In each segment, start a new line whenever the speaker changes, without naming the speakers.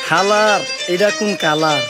খালার এটা কোন কালার?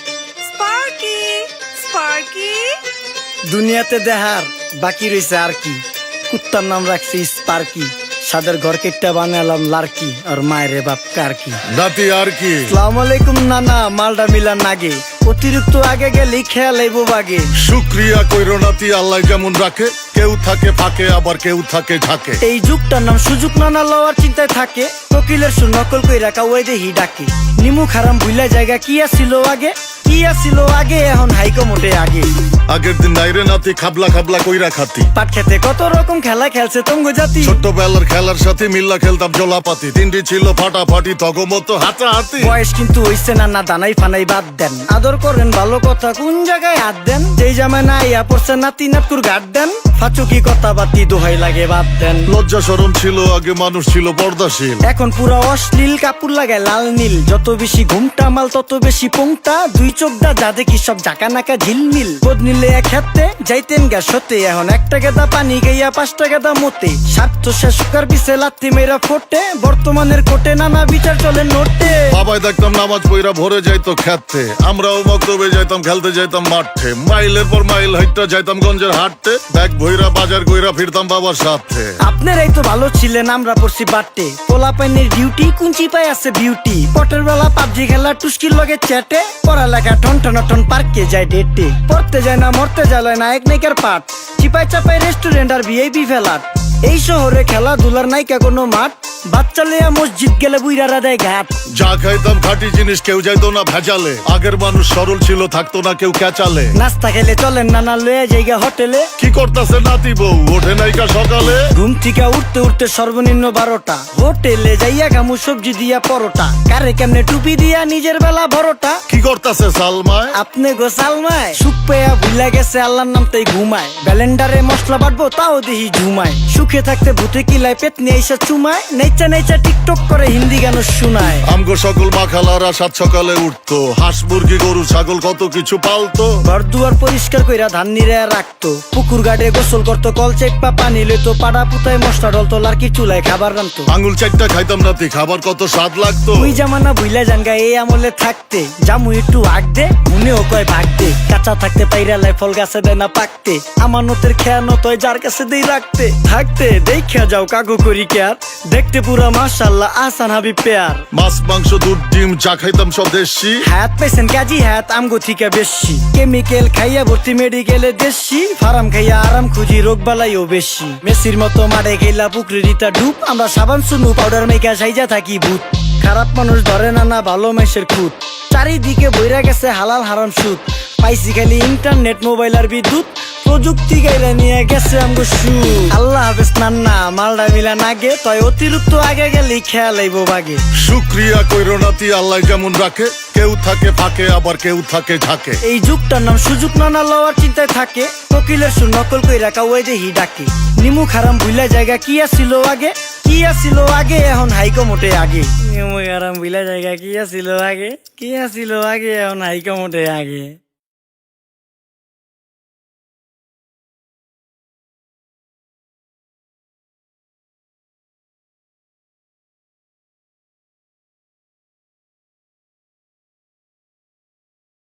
স্পার্কি স্পার্কি
দুনিয়াতে দেখার বাকি রয়েছে আর কি। কুত্তার নাম রাখছি স্পার্কি, সাদের ঘর কেটটা বানালাম লার্কি, আর মায়ের বাপ কারকি।
নাতি আর কি?
আসসালামু আলাইকুম নানা, মালডা মিলান নাগে, অতিরিক্ত আগে গেলে খেয়াল আইব বাগে।
শুক্রিয়া কইরো নাতি, আল্লাহ যেমন রাখে, কেউ থাকে ফাঁকে আবার কেউ থাকে ঝাঁকে।
এই যুগটার নাম সুযোগ নানা লওয়ার চিন্তায় থাকে, কোকিলের সুর নকল কই রাখা ওই দেহি ডাকে। নিমু খারাম ভুলা জায়গা কি আসিল আগে, কি আসিল আগে, এখন হাইকো মোটে আগে।
আগের দিন নাইরে নাতি খাবলা খাবলা কইরা খাতি,
পাট খেতে কত রকম খেলা খেলছে তঙ্গ জাতি।
ছোট্টবেলার খেলার সাথে মিল্লা খেলতাম জলাপাতি, তিনটি ছিল ফাটাফাটি তগমতো হাতাহাতি।
বয়স কিন্তু হইছে না, না দানাই ফানাই বাদ দেন, আদর করেন ভালো কথা কোন জায়গায় হাত দেন। যেই জামায় না ইয়া পড়ছে নাতি নাতকুর গাট দেন, ফাচুকি কথা বাতি দোহাই লাগে বাদ দেন।
লজ্জা শরম ছিল আগে, মানুষ ছিল পর্দাশীল,
এখন পুরা অশ্লীল কাপড় লাগায় লাল নীল। যত বেশি ঘুমটা মাল তত বেশি পোংটা, দুই চোখটা যা দেখি সব জাকা নাকা ঝিলমিল। বোধ নিলে এক হাতে যাইতেন গ্যাস হতে, এখন একটা গেদা পানি গাইয়া 5টা গেদা মতে। স্বার্থ শেষকার বিছে লাত্তি মেয়েরা ফোটে, বর্তমানের কোটে নানা বিচার চলে নোটে।
বাবাই দেখতাম নামাজ পইরা ভরে যাইতো খেতে, আমরাও মক্তবে যাইতাম খেলতে যাইতাম মাঠে। মাইলের পর মাইল হাইটটা যাইতাম গঞ্জের হাটতে, ব্যাগ ভইরা বাজার কইরা ফিরতাম বাবার সাথে।
আপনারাই তো ভালো ছিলেন, আমরা পড়ছি বাটে। পোলা পাইনের ডিউটি কুঞ্চি পাই আছে বিউটি, পটের বেলা পাবজি খেলা টুস্কির লগে চ্যাটে। পড়ালেখা ঠন ঠন ঠন পার্কে যায় ডেটে, পড়তে যায় না মরতে যায় নায়ক নায়িকার পাট। চিপাই চাপাই রেস্টুরেন্ট আর ভিআইপি ফেলাট, এই শহরে খেলাধুলার নাইকা কোনো মাঠ। বাচ্চা লিয়া মসজিদ গেলে বুইরারা দেয় ঘাট।
যা খাইতাম খাঁটি জিনিস, কেউ যাইতো না ভেজালে। আগের মানুষ সরল ছিল, থাকতো না কেউ ক্যাচালে।
নাস্তা খেলে চলেন নানা লয়ে জায়গা হোটেলে।
কি করতাছে নাতি বউ, ওঠে নাইকা সকালে।
ঘুম থেকে উঠতে উঠতে সর্বনিম্ন 12টা, হোটেলে যাইয়া গামু সবজি দিয়া পরোটা। কারে কেমনে টুপি দিয়া নিজের বেলা বড়টা।
কি করতাছে সালমায়?
আপনি গোসালমায় সুখ পেয়া ভুলা গেছে আল্লাহর নাম তাই ঘুমায়। ব্যালেন্ডারে মশলা বাটবো তাও দেহি ঝুমায়। সুখে থাকতে ভূতে কিলায় পেট নিয়ে এসে চুমায়। নেচা নেচা টিকটক করে হিন্দি গান শুনায়।
আমগো সকল মাখালারা সাত সকালে উঠতো, হাঁস মুরগি গরু ছাগল কত কিছু পালতো।
ঘর দুয়ার পরিষ্কার কইরা ধান নিরে রাখতো, পুকুর গাড়ে গোসল করতো, কল চেপা পানি লইতো। পাড়া পুতায় মশলা ডলতো, লার্কি চুলায় খাবার রান্তো।
আঙুল চারটা খাইতাম নাতি, খাবার কত স্বাদ লাগতো।
ওই জামানা ভুইলা জানগা এই আমলে থাকতে, জামু একটু আগ দে মনেও কয় ভাগ দে। কাঁচা থাকতে পাইরালায় ফল গাছে দেয় না পাকতে, আমানতের খেয়ানত হয় যার কাছে দেই রাখতে। থাকতে দেখা যাও কাগু করি কেয়ার, দেখতে পুরা মাশাআল্লাহ আহসান হাবিব পেয়ার।
মাছ মাংস দুধ ডিম চা খাইতাম সব দেশি,
হাত পাইছেন কাজী হাত আমগো থিকা বেশি। কেমিক্যাল খাইয়া ভর্তি মেডিকেলে দেশি, ফার্ম খাইয়া আরাম খুঁজি রোগ বালাইও বেশি। মেসির মতো মারে গেলা পুকুরে রিতা ডুব, আমরা সাবান সুনু পাউডার মেকা সাইজা থাকি ভূত। খারাপ মানুষ ধরে না না ভালো মেসের খুঁত, চারিদিকে বইরা গেছে হালাল হারাম সুদ। পাইছি খালি ইন্টারনেট মোবাইল আর বিদ্যুৎ, প্রযুক্তি গাইলা নিয়ে গেছে আমগো সু। আল্লাহ হাফেজ নান্না, মালডা মিলা নাগে, তয় অতিরিক্ত আগে গেলে খেয়াল আইব বাগে।
শুক্রিয়া কইরো নাতি, আল্লাহ যেমন রাখে, কেউ থাকে ফাঁকে আবার কেউ থাকে ঝাঁকে।
এই যুগটার নাম সুযোগ নানা লওয়ার চিন্তায় থাকে, কোকিলের সুর নকল কই রাখা ওই দেহি ডাকে। নিমু খারাম ভুলা জায়গা কি আসিল আগে, কি আসিল আগে, এখন হাইকো মোটে আগে। নিমু খারাম ভুলা জায়গা কি আসিল আগে, কি আসিল আগে, এখন হাইকো মোটে আগে।